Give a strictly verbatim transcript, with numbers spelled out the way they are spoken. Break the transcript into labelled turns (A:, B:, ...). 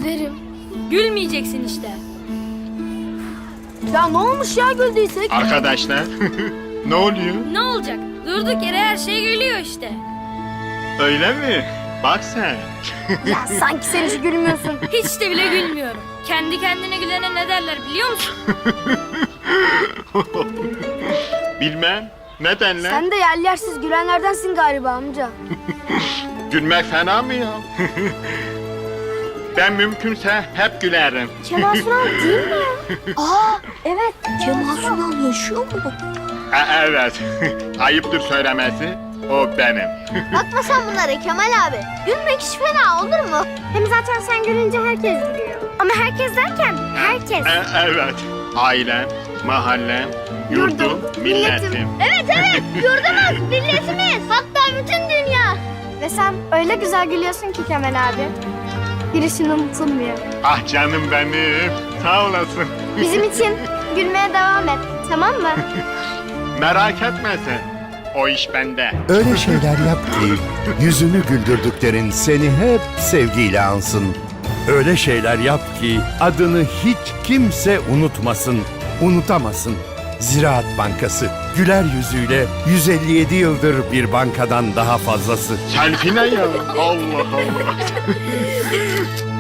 A: Gülerim.
B: Gülmeyeceksin işte.
A: Ya ne olmuş ya güldüysek?
C: Arkadaşlar ne oluyor?
B: Ne olacak? Durduk yere her şey gülüyor işte.
C: Öyle mi? Bak sen.
A: Ya sanki sen hiç gülmüyorsun.
B: Hiç de bile gülmüyorum. Kendi kendine gülene ne derler biliyor musun?
C: Bilmem. Ne denler?
A: Sen de yer yersiz gülenlerdensin galiba amca.
C: Gülmek fena mı ya? Ben mümkünse hep gülerim.
A: Kemal Sunal değil mi? Aa evet. Kemal Sunal yaşıyor mu?
C: Ha, evet. Ayıptır söylemesi. O benim.
A: Bakma sen bunlara Kemal abi. Gülmek hiç fena olur mu? Hem zaten sen gülünce herkes gülüyor. Ama herkes derken herkes.
C: E, evet. Ailem, mahallem, yurdum, milletim.
A: Evet evet yurdumuz, milletimiz. Hatta bütün dünya. Ve sen öyle güzel gülüyorsun ki Kemal abi. Girişin unutulmuyor.
C: Ah canım benim. Sağ olasın.
A: Bizim için gülmeye devam et. Tamam mı?
C: Merak etme sen. O iş bende.
D: Öyle şeyler yap ki yüzünü güldürdüklerin seni hep sevgiyle ansın. Öyle şeyler yap ki adını hiç kimse unutmasın, unutamasın. Ziraat Bankası güler yüzüyle yüz elli yedi yıldır bir bankadan daha fazlası.
C: Selfie ne ya? Allah Allah.